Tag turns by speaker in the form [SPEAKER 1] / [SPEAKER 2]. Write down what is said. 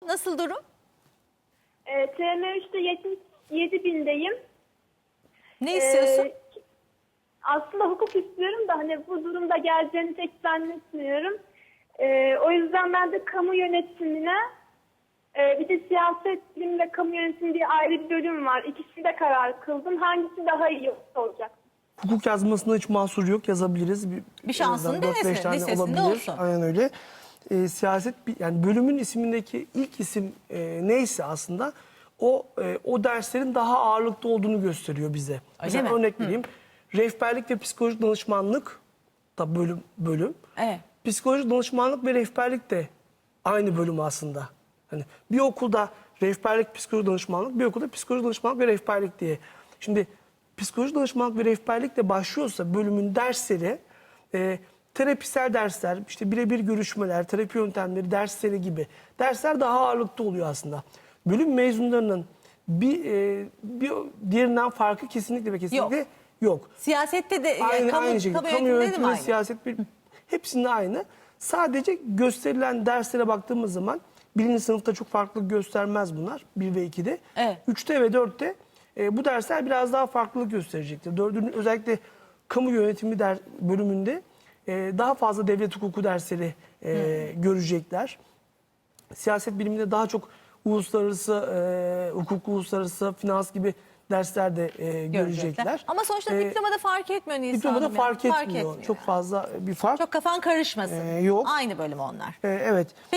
[SPEAKER 1] Nasıl durum?
[SPEAKER 2] TM3'te 77.000'deyim.
[SPEAKER 1] Ne istiyorsun?
[SPEAKER 2] Aslında hukuk istiyorum da hani bu durumda geleceğini pek zannetmiyorum. O yüzden ben de kamu yönetimine bir de siyaset bilimi ve kamu yönetimi diye ayrı bir bölüm var. İkisinde karar kıldım. Hangisi daha iyi olacak?
[SPEAKER 3] Hukuk yazmasında hiç mahsur yok, yazabiliriz.
[SPEAKER 1] Bir şansını
[SPEAKER 3] en azından 4-5
[SPEAKER 1] denesin,
[SPEAKER 3] tane
[SPEAKER 1] listesinde olsun.
[SPEAKER 3] Aynen öyle. Siyaset yani bölümün ismindeki ilk isim neyse aslında o derslerin daha ağırlıklı olduğunu gösteriyor bize. Mesela
[SPEAKER 1] mi?
[SPEAKER 3] örnek vereyim. Rehberlik ve psikolojik danışmanlık da bölüm.
[SPEAKER 1] Evet.
[SPEAKER 3] Psikolojik danışmanlık ve rehberlik de aynı bölüm aslında. Hani bir okulda rehberlik, psikolojik danışmanlık, bir okulda psikolojik danışmanlık ve rehberlik diye. Şimdi psikolojik danışmanlık ve rehberlikle başlıyorsa bölümün dersleri terapisel dersler, işte birebir görüşmeler, terapi yöntemleri dersleri gibi dersler daha ağırlıklı oluyor aslında. Bölüm mezunlarının bir diğerinden farkı kesinlikle ve kesinlikle yok.
[SPEAKER 1] Siyasette de
[SPEAKER 3] Aynı şekilde.
[SPEAKER 1] kamu
[SPEAKER 3] Kamu
[SPEAKER 1] yönetiminde de mi
[SPEAKER 3] yönetimi,
[SPEAKER 1] aynı?
[SPEAKER 3] siyaset hepsinde aynı. Sadece gösterilen derslere baktığımız zaman birinci sınıfta çok farklılık göstermez bunlar. 1 ve 2'de.
[SPEAKER 1] Evet.
[SPEAKER 3] 3'te ve 4'te bu dersler biraz daha farklılık gösterecektir. 4'ün özellikle kamu yönetimi bölümünde daha fazla devlet hukuku dersleri görecekler. Siyaset biliminde daha çok uluslararası hukuk, uluslararası finans gibi dersler de görecekler.
[SPEAKER 1] Ama sonuçta diplomada fark etmiyor Nisan
[SPEAKER 3] Diplomada
[SPEAKER 1] Hanım ya.
[SPEAKER 3] fark etmiyor. Çok
[SPEAKER 1] yani.
[SPEAKER 3] fazla bir fark
[SPEAKER 1] Çok kafan karışmasın.
[SPEAKER 3] yok.
[SPEAKER 1] Aynı bölüm onlar.
[SPEAKER 3] Evet.